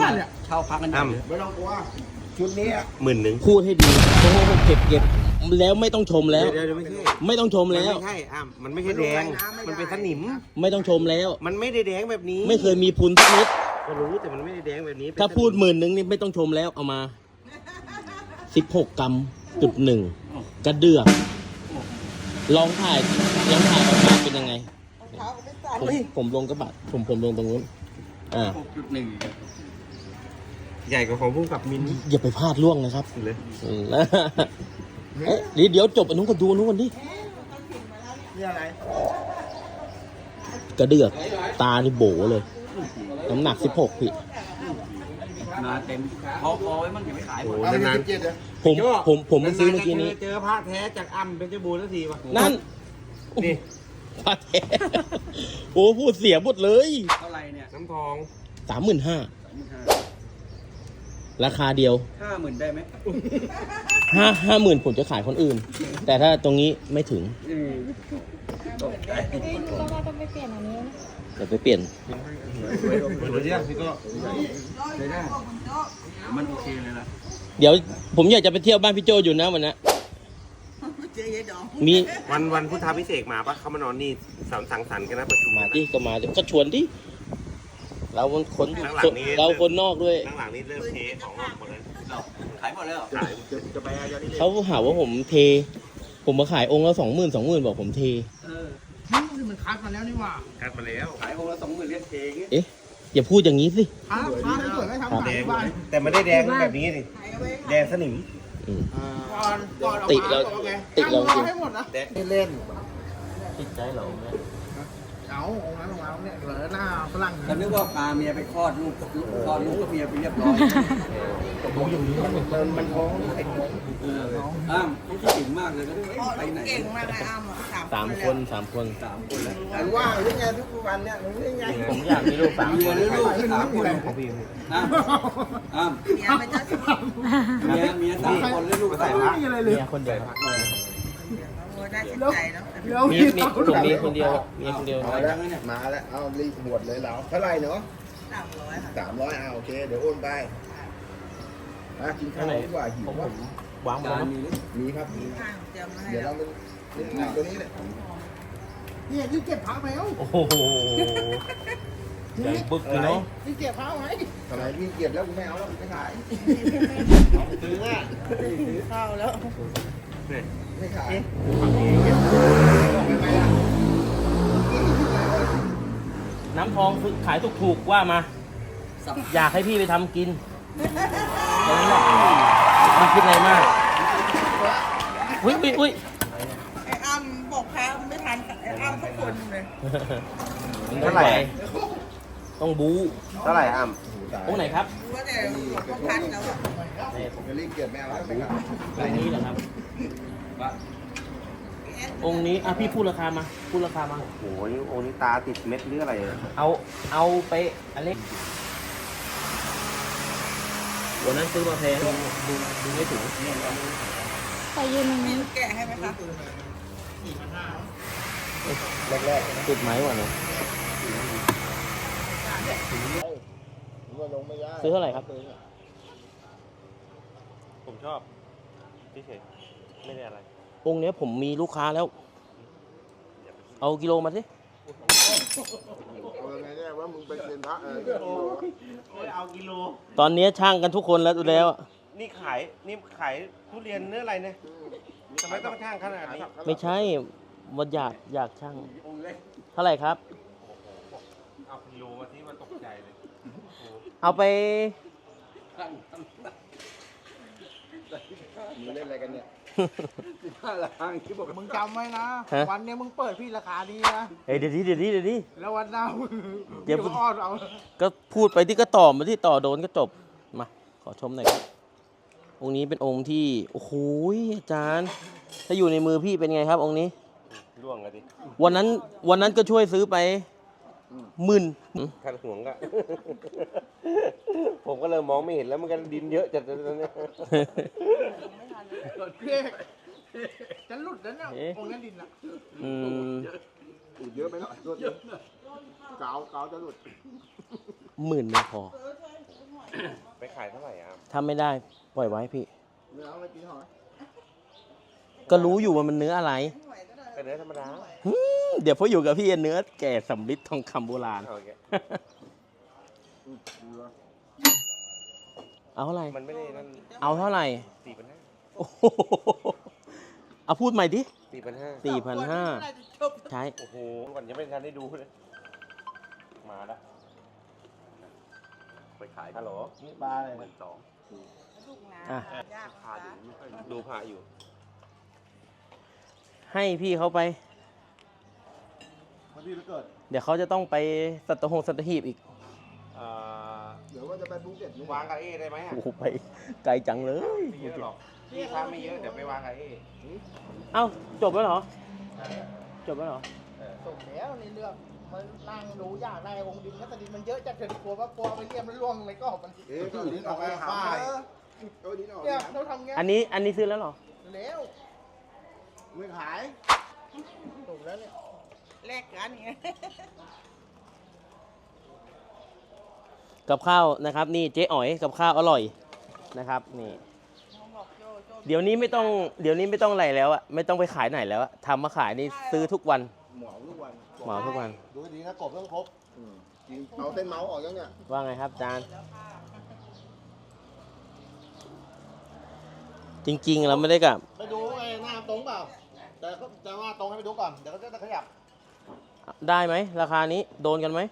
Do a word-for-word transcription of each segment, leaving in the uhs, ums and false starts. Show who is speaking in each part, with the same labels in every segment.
Speaker 1: มาเช่าพักกันอยู่
Speaker 2: ไม่ต้องกลัวชุดนี้
Speaker 3: หมื่นหนึ่ง
Speaker 4: พูดให้ดีโอ้โหเก็บเก็บแล้วไม่ต้องชมแล้ว
Speaker 3: เดี๋ยวไม่ใช่
Speaker 4: ไม่ต้องชมแล้ว
Speaker 3: ไม่ใช่อ่ะมันไม่ใช่แดงมันเป็นสนิม
Speaker 4: ไม่ต้องชมแล้ว
Speaker 3: มันไม่ได้แดงแบบนี้
Speaker 4: ไม่เคยมีพุนสักนิด
Speaker 3: ก็รู้แต่มันไม่ได้แดงแบบนี้
Speaker 4: ถ้าพูดหมื่นหนึ่งนี่ไม่ต้องชมแล้วเอามาสิบหกกรัมจุดหนึ่งกระเดือกลองถ่ายลองถ่ายออกมาเป็นยังไงผมผมลงกระบะผมผมลงตรงนู้นอ่า
Speaker 1: หกจุดหนึ่ง
Speaker 3: ใหญ่กว่าของพุ่งกับมิน
Speaker 4: อย่าไปพลาดล่วงนะครับ
Speaker 3: เลย
Speaker 4: อืมนะเอ๊ะเดี๋ยวเดี๋ยวจบอันนู้นก็ดูอันนู้นกันดิ
Speaker 2: นี่อะไร
Speaker 4: กระเดือกตานี่โบเลยน้ำหนักสิบหกพี่
Speaker 1: มาเต็มพอพอไว้มันจะไม่ขายหม
Speaker 3: โอ้
Speaker 1: ด
Speaker 3: โหนาน
Speaker 2: เจ็ดเลย
Speaker 4: ผมผมผมเพิ่งซื้อเมื่อกี้นี้
Speaker 3: เจอพระแท้จากอ้ำเป็นเจ้าบูสักทีวะ
Speaker 4: นั่น
Speaker 3: นี่
Speaker 4: พาแท้โอ้พูดเสียหมดเลย
Speaker 1: เท่าไรเนี่ย
Speaker 3: น้ำทอง
Speaker 4: สามหมื่นห้าราคาเดียว
Speaker 1: ห้าหมื่นได้ไหม
Speaker 4: ห้าห้าหมื่นผมจะขายคนอื่น แต่ถ้าตรงนี้ไม่ถึง
Speaker 1: อืมตกใจ
Speaker 5: ก็ว่าต้องไปเปลี่ยนอันนี้นะ
Speaker 4: เดี๋ยวไปเปลี่ยน
Speaker 3: เปิดเนี่ยพี่ก็
Speaker 1: ใช้ได้มันโอเคเลยล่ะ
Speaker 4: เดี๋ยวผมอยากจะไปเที่ยวบ้านพี่โจอยู่นะวันนี้มี
Speaker 3: วันวันพุทธาพิเศษมาปะเขามานอนนี่สังสังสรรค์กันนะประชุม
Speaker 4: มาที่ก็มาเดี๋ยวก็ชวนที่เราคน
Speaker 3: ข้างหลังนี้
Speaker 4: เราคนนอกด้วย
Speaker 3: ข้างหลังนี้เริ่มเทของออกหมดเลย
Speaker 1: เราขายหมดแล้วเหรอ
Speaker 3: ขายจะไปเอานี่เลย
Speaker 4: เขาหาว่าผมเท ผมมาขายองค์ละสองหมื่นสองหมื่นบอกผมเท
Speaker 1: เออ
Speaker 2: นี่มันคัดมาแล้วนี่หว่า
Speaker 3: คัดมาแล้ว
Speaker 1: ขายองค์ละสองหมื่นเรียกเทง
Speaker 4: เอ๊ะอย่าพูดอย่างนี้สิ
Speaker 2: คัดคัดไม่สวยไม่ทำขาย
Speaker 3: แดง
Speaker 2: ที่บ้าน
Speaker 3: แต่ไม่ได้แดงแบบนี้สิแดงสนิม
Speaker 4: อืม
Speaker 2: ก่อนก่อนออก
Speaker 4: ติ
Speaker 2: มา
Speaker 4: เรา
Speaker 2: บอกไง
Speaker 4: ติเราจริง
Speaker 2: ให้หมดนะ
Speaker 3: แดง
Speaker 2: ไม่เล่น
Speaker 4: ติดใจเหรอ
Speaker 2: เอาองค์นั้นของเราเนี่ยเหลือหน้าฝรั่ง
Speaker 1: แล้วนึกว่าพาเมียไปคลอดลูกคลอดลูกก็เมียไปเรียบร้อย
Speaker 2: มันมันท้อง
Speaker 1: อ้ามต้องคิดถึงมากเลยก็ไปไหน
Speaker 6: เก่งมากเลยอ้ำอะ
Speaker 4: สามคนสามคน
Speaker 1: สามคนแล้ว
Speaker 2: มันว่างหรือไงทุกวันเนี่ยมันยังไง
Speaker 4: ผมอยากมีลูกสาม
Speaker 1: เมี
Speaker 4: ค
Speaker 1: ย
Speaker 4: น
Speaker 1: หรือลูกสามคนอ้ามอ้าม
Speaker 6: เมียเป็นเจ้าสาว
Speaker 1: เมียเมียสามคนหรือลูก
Speaker 2: ใส่
Speaker 1: สาม
Speaker 2: ไม่มีอะไรเลย
Speaker 4: เมียคนเดียวครับ
Speaker 6: โอ้ได้ชื่นใจเนาะ
Speaker 2: เดี๋ยว
Speaker 4: มีมีผมมีคนเดียวเมียคนเดียว
Speaker 2: มาแล้วมาแล้วเอารีบหมดเลยเราเท่าไหร่เนาะ
Speaker 6: สามร้อยค่ะ
Speaker 2: สามร้อยเอาโอเคเดี๋ยวโอนไปมากินข้าวดีกว่าหิว
Speaker 4: ผม
Speaker 2: ว่ะ
Speaker 4: วางหมด
Speaker 1: จาน
Speaker 4: แล้ว
Speaker 1: มี
Speaker 2: มีครับมี
Speaker 6: ข้างเตรียมมาให้
Speaker 2: เดี๋ยว
Speaker 6: แล้
Speaker 2: เรา
Speaker 6: ว
Speaker 2: เป็นนี่ตัวนี้เลยนี่รีบเก็บพักไหมเอ้า
Speaker 4: โอ้โหใหญ่บึกเลยเนาะ
Speaker 2: รีบเก็บพักไหมทำไมรีบเก็บแล้วกูไม่เอาแล้วกูไม่ขายซื้อว่า
Speaker 6: ซื้อข้าวแล้ว
Speaker 2: ไม่ขาย
Speaker 4: น้ำทองขายถูกๆว่ามา อยากให้พี่ไปทำกินตรงนี้แหละไม่คิดอะไรมากอุ้ยอุ้ยอุ้ย
Speaker 6: ไอ้อ้ำบอกแพ้ไม่ทันไอ้อ้ำทุกคนเลย
Speaker 4: มันต้องไปต้องบู๊
Speaker 3: เท่าไหร่อ้ำ
Speaker 4: ตรงไหนครับ
Speaker 6: รู้ว่าแต่หลวงพ่อพัดแล้วอะ
Speaker 2: ผมจะรีบเก็บไม่เอาแล้วไม่ขาย
Speaker 4: ตรงนี้เหรอครับ องค์นี้อ่ะพี่พูดราคามา พูดราคามา
Speaker 3: โอ้โหนี่โอ้นี่ตาติดเม็ดหรืออะไรอะ
Speaker 4: เอาเอาไปอันเล็กวันนั้นซื้อมาแพงดูดูดูไม่ถึง
Speaker 5: ไปยืนตรงนี้
Speaker 6: แกะให้ไหมคะ
Speaker 4: แรกๆติดไหมวะเนาะ
Speaker 2: ว่าลงไม่ได้
Speaker 4: ซื้อเท่าไหร่ครับ
Speaker 3: ผมชอบพี่เฉยไม่ได้อะไร
Speaker 4: องค์เนี้ยผมมีลูกค้าแล้ว เอากิโลมาสิ
Speaker 2: เอาไงเนี่ยว่ามึงเป็นเซียนพระเออ
Speaker 3: เอากิโล
Speaker 4: ตอนนี้ช่างกันทุกคนแล้วดูแล้วอะ
Speaker 3: นี่ขายนี่ขายทุเรียนเนื้ออะไรเนี่ยทำไมต้องช่างขนาดนี้
Speaker 4: ไม่ใช่วันอยากอยากช่าง เท่าไหร่ครับ
Speaker 3: เอากิโลมาที่มันตกใจเลย
Speaker 4: เอาไป
Speaker 2: มึงเล่นอะไรกันเนี่ย
Speaker 1: ห้าล้านที่บอก
Speaker 2: มึงจำไว้นะ
Speaker 4: ฮะ
Speaker 2: วันนี้มึงเปิดพี่ราคาดีนะ
Speaker 4: เฮ้ยเดี๋ยวนี้เดี๋ยวนี้เดี๋ยวนี้
Speaker 2: แล้ววันหน้ามึง
Speaker 4: เดี๋ยว
Speaker 2: มึงอ้อนเอา
Speaker 4: ก็พูดไปที่ก็ต่อมาที่ต่อโดนก็จบ มา ขอชมหน่อยครับ องค์นี้เป็นองค์ที่ โอ้โหอาจารย์ ถ้าอยู่ในมือพี่เป็นไงครับ องค์นี้
Speaker 3: ร่วงกันดิ
Speaker 4: วันนั้นวันนั้นก็ช่วยซื้อไปหมื่น
Speaker 3: ขันห่วงก็ ผมก็เลยมองไม่เห็นแล้วมันกันดินเยอะจัดเลยตอนนี้
Speaker 2: เรียกจะหลุดแล้วเนี่ย
Speaker 4: เอ๊ะ
Speaker 2: องค์นั้นดินอ่ะ
Speaker 4: อืม
Speaker 2: หลุดเยอะไปหน่อยหลุดเกาเกาจะหลุด
Speaker 4: หมื่นหนึ่งพอ
Speaker 3: ไปขายเท่าไหร่อ่ะ
Speaker 4: ถ้าไม่ได้ปล่อยไว้พี่
Speaker 2: เนื้อเอาไปกินหอย
Speaker 4: ก็รู้อยู่ว่ามันเนื้ออะไร
Speaker 3: เป็นเนื้อธรรมดา
Speaker 4: หืมเดี๋ยวพออยู่กับพี่เนื้อแก่สำลิดทองคำโบราณ
Speaker 3: เอาอย่างเงี้ย
Speaker 2: อืมเนื้อ
Speaker 4: เอาเท่าไหร่
Speaker 3: มันไม่ได้นั่น
Speaker 4: เอาเท่าไหร่
Speaker 3: สี่พันห้า
Speaker 4: โอ้โหเอาพูดใหม่ดิ
Speaker 3: สี่พันห้า
Speaker 4: สี่พันห้าใช่
Speaker 3: โอ้โหก่อนยังไม่ทันได้ดูเลยมาแล้วไปขายฮัลโหล
Speaker 2: นี่ปลาอะไร
Speaker 3: หมื่นสอง
Speaker 4: อ่ะ
Speaker 3: พาดูไม่ค่อยดูพาอยู่
Speaker 4: ให้พี่เขาไป
Speaker 2: วันที่เราเกิด
Speaker 4: เดี๋ยวเขาจะต้องไปสัตหงสัตหีบอีก
Speaker 3: เอ่อ
Speaker 2: เดี๋ยวว่าจะไปภูเก็ตนี่
Speaker 3: วางกับเอได้ไหมอ่ะ
Speaker 4: โอ้โหไปไกลจังเลย
Speaker 3: ไม่เยอะหรอกพี่ค้าไม่เยอะเดี๋ยวไปวางกับเอ
Speaker 4: เอ้าจบแล้วเหรอ จบแล้วเหรอ
Speaker 6: ส่งแล้วในเรื่องมันนั่งดูอยากได้องค์ดินก็แต่ดินมันเยอะจัดเกิดกลัวว่ากลัวไปเรียมแล้วล่วงในก็มัน
Speaker 2: เอ๊ะก็ดินออกไปหาป้ายก็ดินออก
Speaker 6: เนี่ยเราทำไง
Speaker 4: อันนี้อันนี้ซื้อแล้วเหรอ
Speaker 6: แล้ว
Speaker 2: ไม่ขาย
Speaker 6: ถูกแล้วเนี่ยแลกกันไง
Speaker 4: กับข้าวนะครับนี่เจ๊อ๋อยกับข้าวอร่อยนะครับนี่เดี๋ยวนี้ไม่ต้องเดี๋ยวนี้ไม่ต้องอะไรแล้วอะไม่ต้องไปขายไหนแล้วอะทำมาขายนี่ซื้อทุกวัน
Speaker 2: หมอทุกวัน
Speaker 4: เหมาทุกวัน
Speaker 2: ดูดีนะกบต้องครบอืมจริงเอาเส้นเมาส์ออกยังเนี่ย
Speaker 4: ว่าไงครับอาจารย์ จริงๆเราไม่ได้กับ
Speaker 2: ไปดูไอ้หน้าตรงเปล่าแต่ก็จะว่าตรงให้ไปดูก่อนเดี๋ยวก็จะขยับ
Speaker 4: ได้ไหมราคานี้โดนกันไหม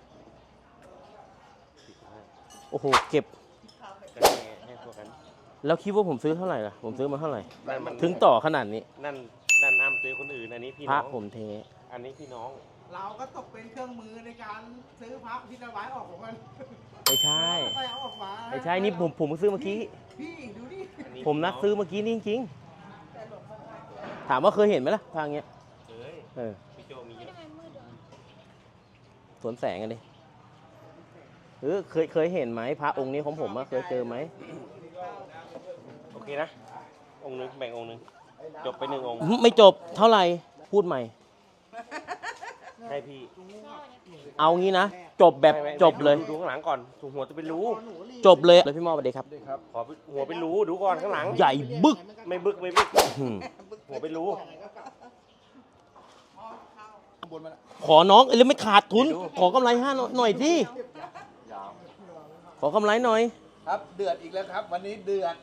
Speaker 4: โอ้โหเก็บ
Speaker 3: ก็ให้ให้พวกกัน
Speaker 4: แล้วคิดว่าผมซื้อเท่าไหร่ล่ะผมซื้อมาเท่าไหร่
Speaker 3: นั่นมัน
Speaker 4: ถึงต่อขนาดนี้
Speaker 3: นั่นนั่นอ้ำซื้อคนอื่นอันนี้พี่
Speaker 4: พระ
Speaker 3: น้อง
Speaker 4: ผมเท
Speaker 3: อันนี้พี่น้อง
Speaker 6: เราก็ตกเป็นเครื่องมือในการซื้อพระที่ถวายออกของมัน
Speaker 4: ไม่ใช่
Speaker 6: ไปเอาออกมา
Speaker 4: ไม่ใช่นี่ผมผมซื้อเมื่อกี้
Speaker 6: พี่ดูดิ
Speaker 3: อันนี้
Speaker 4: ผมนัดซื้อเมื่อกี้นี่จริงๆถามว่าเคยเห็นไหมล่ะทางเนี้ย
Speaker 3: เอ้ย
Speaker 4: เออ
Speaker 3: พี่โจมีเยอะ
Speaker 4: สวนแสงกันดิเออเคยเคยเห็นไหมพระองค์นี้ของผมอะเคยเจอไหม
Speaker 3: โอเคนะ องค์หนึงแบ่งองค์หนึงจบไปหนึ่งองค์
Speaker 4: ไม่จบเท่าไหร่พูดใหม่
Speaker 3: ให้พี่
Speaker 4: เอางี้นะจบแบบ
Speaker 3: ไม่ไม่
Speaker 4: จบเลย
Speaker 3: ดูดูข้างหลังก่อนถูกหัวจะเป็นรู
Speaker 4: จบเลยเลยพี่มอสสวัสดีครับ
Speaker 3: ขอหัวเป็นรูดูก่อนข้างหลัง
Speaker 4: ใหญ่บึก
Speaker 3: ไม่บึกไม่บึก
Speaker 4: หืม
Speaker 3: หัวเป็นรู
Speaker 2: บนมาละ
Speaker 4: ขอน้องเอ้ยแล้วไม่ขาดทุน ขอกำไรห้าหน่อยสิขอกำไรหน่อย
Speaker 2: ครับเดือดอีกแล้วครับ วันนี้เดือด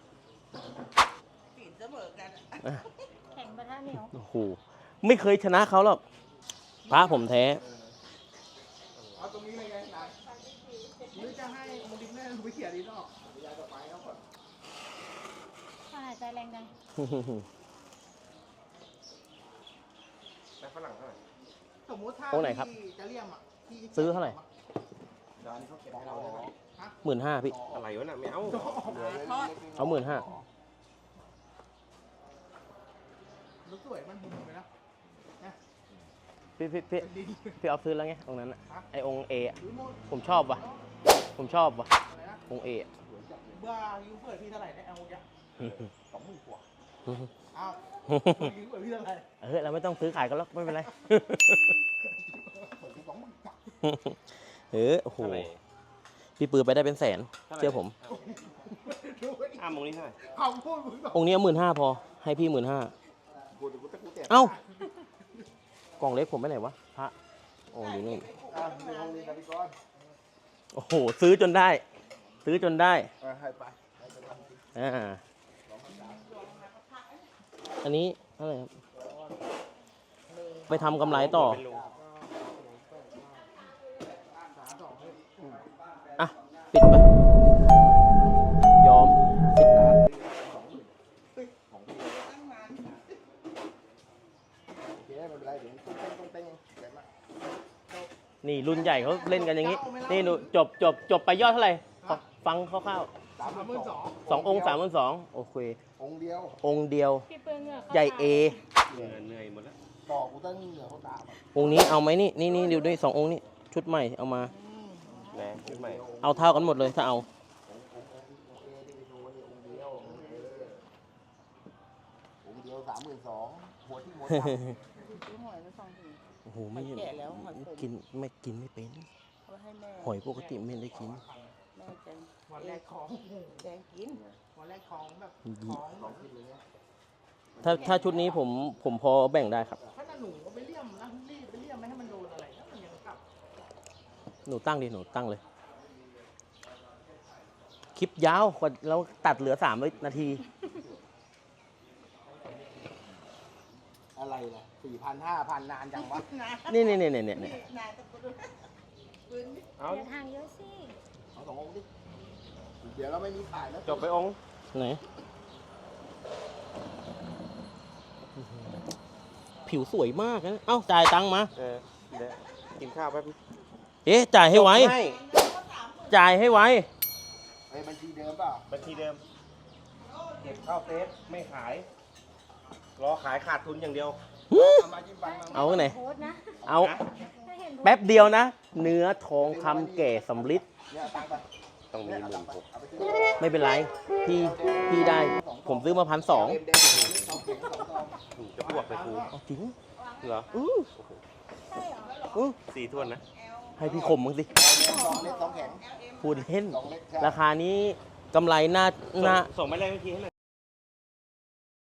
Speaker 6: ปีนเสมอกัน
Speaker 5: แข็งประทะเหนียว
Speaker 4: โอ้โหไม่เคยชนะเขาหรอกพระผมแท้
Speaker 6: เอาตรงนี้เลยไงหลานหรือจะให้องค์ดินแม่ไปเขี่ยดินออก
Speaker 5: ถ้าหายใจแรงจัง
Speaker 3: แล้วฝรั่งเท่าไหร่
Speaker 6: สมมติถ้า
Speaker 4: องค์ไหนครับ
Speaker 6: ที่จะเลี่ยมอ่ะที่
Speaker 4: ซื้อเท่าไหร่
Speaker 2: ร้านเขาเก็บให้เราได้ไหม
Speaker 4: หมื่นห้าพี่
Speaker 3: อะไรวะน่ะไม่เอา
Speaker 4: เอาหมื่นห้า
Speaker 6: มันสวยมันบุญไปแล้ว
Speaker 4: พี่พี่พี่พี่เอาซื้อแล้วไงตรงนั้นอะไอองค์เอะ
Speaker 6: หรือโมด
Speaker 4: ผมชอบว่ะ ผมชอบว่ะ
Speaker 6: อะไรนะ
Speaker 4: องค์เอะ
Speaker 6: เบื่อยูเปิดพี่เท่าไหร่ได้เอาอย่างสองหมื่นกว่าเอายูเปิดพี่เท่าไหร่
Speaker 4: เออเราไม่ต้องซื้อขายกันหรอกไม่เป็นไร
Speaker 6: เปิดพี่สองหมื่นกว่า
Speaker 4: เออโอ้โห
Speaker 3: เท่าไหร่
Speaker 4: พี่ปืนไปได้เป็นแสน เชื่อผม
Speaker 6: ดูไอ้
Speaker 3: อ้ามองนี้เท่าไหร่
Speaker 6: คำพูดมึง
Speaker 4: องค์นี้หมื่นห้าพอ ให้พี่หมื่นห้า
Speaker 2: กูกูตะกูเตะ
Speaker 4: เอ้ากล่องเล็กผมไปไหนวะพระโอ้อยู่นี่
Speaker 2: อ่ะมีห้องนี้กันพี่ก้อน
Speaker 4: โอ้โหซื้อจนได้ ซื้อจนได้
Speaker 2: อ่ะให้ไปให้ไปทำสิ
Speaker 4: อ่าอันนี้เท่าไหร่ครับไปทำกำไรต่อ
Speaker 3: เป็นรู
Speaker 4: อ่ะ ปิดไป ยอม
Speaker 2: โอเคไม่เป็นไรเดี๋ยวต้องเต้นต้องเต้นเดี๋ยวมา
Speaker 4: นี่รุ่นใหญ่เขาเล่นกันอย่างนี้ นี่ดูจบจบจบไปยอดเท่าไหร่ขอฟังคร่าว
Speaker 2: สาม
Speaker 6: สามหมื่นสอง
Speaker 4: ๆสององค์สามพันสองโอเค
Speaker 2: องค์เดียว
Speaker 4: องค์เดียว
Speaker 5: พี่เปื้อนเหงื่อเข้า
Speaker 4: ใหญ่เอ
Speaker 3: เหนื่อยเหนื่อยหมดแล้ว
Speaker 2: ต่อกูตั้งเหนือเขาตามอ่ะ
Speaker 4: องค์นี้เอาไหมนี่นี่นี่ดูด้วยสององค์นี้ชุดใหม่เอามา
Speaker 3: แรงขึ้นใหม่
Speaker 4: เอาเท่ากันหมดเลยถ้าเอา
Speaker 2: องค์องค์องค์เอที่ไปดูนี่องค์เดียวองค์เอองค์เดียวสามหมื่นสองหัวที่หัวตาม
Speaker 6: ซื้อหอยไปสองถุง
Speaker 4: โอ้โหไม่
Speaker 6: หอยแก่แล้วหอยขม
Speaker 4: กินไม่กินไม่เป็น
Speaker 6: เอาไว้ให้แม่
Speaker 4: หอยปกติไม่ได้กิน
Speaker 6: แม่
Speaker 7: ได้จัง
Speaker 6: วันแรกของ
Speaker 7: แดงกิน
Speaker 6: วันแรกของแบบของ
Speaker 2: สองคิดเลยเนี่ย
Speaker 4: ถ้าถ้าชุดนี้ผมผมพอแบ่งได้ครับ
Speaker 6: ถ้าหนูก็ไปเลี่ยมนะรีบไปเลี่ยมไม่ให้มันโดนอะไรแล้วมันยังกลับ
Speaker 4: หนูตั้งดิหนูตั้งเลย คลิปยาวกว่าเราตัดเหลือสามนาที
Speaker 2: อะไรล่ะสี่พันห้าพันนานจังวะ
Speaker 4: นี่นี่นี่นี่นี่
Speaker 7: นายตะกุดปืน
Speaker 3: เอา
Speaker 5: เดี๋ยวทางเยอะสิ
Speaker 2: เอาสององค์ดิเดี๋ยวเราไม่มีขายแล้ว
Speaker 3: จบไปองค์
Speaker 4: ไหนผิวสวยมากนะเอ้าจ่ายตังค์มา
Speaker 3: เออเดี๋ยวกินข้าวแป๊บนึง
Speaker 4: เอ๊ะจ่ายให้ไว
Speaker 3: ไม่
Speaker 4: จ่ายให้ไว
Speaker 2: ไอ้บัญชีเดิมเปล่า
Speaker 3: บัญชีเดิม เก็บเข้าเซฟไม่ขาย รอขายขาดทุนอย่างเดียว
Speaker 2: เอามาจิ้มฟันมา
Speaker 4: เอาไหน
Speaker 5: โพสต์นะ
Speaker 4: เอา
Speaker 5: ถ้าเห็นโพสต์
Speaker 4: แป๊บเดียวนะ เนื้อทองคำแก่สำลิด
Speaker 2: เนี่ยเอาตังค์ไป
Speaker 3: ต้องมีหมื่นหก
Speaker 2: เอาไปซื้อ
Speaker 4: ไม่เป็นไร พี่พี่ได้ ผมซื้อมาพันสอง
Speaker 2: เอ็มเดงสองเข็มสองซอง
Speaker 3: จะอ้วกไปครู
Speaker 4: จริง
Speaker 3: เหรอ
Speaker 4: อื้อ
Speaker 5: ใช่เหรอ
Speaker 4: อื้อ
Speaker 3: สี่ถ้วนนะ
Speaker 4: ให้พี่คมมึงสิ
Speaker 2: สองเล็กสองแข็ง
Speaker 4: พูดเล่น
Speaker 2: สองเล็กใช่
Speaker 4: ราคานี้กำไรหน้าหน้า
Speaker 3: ส่งส่งไปเลยเมื่อกี้ให้หน่อย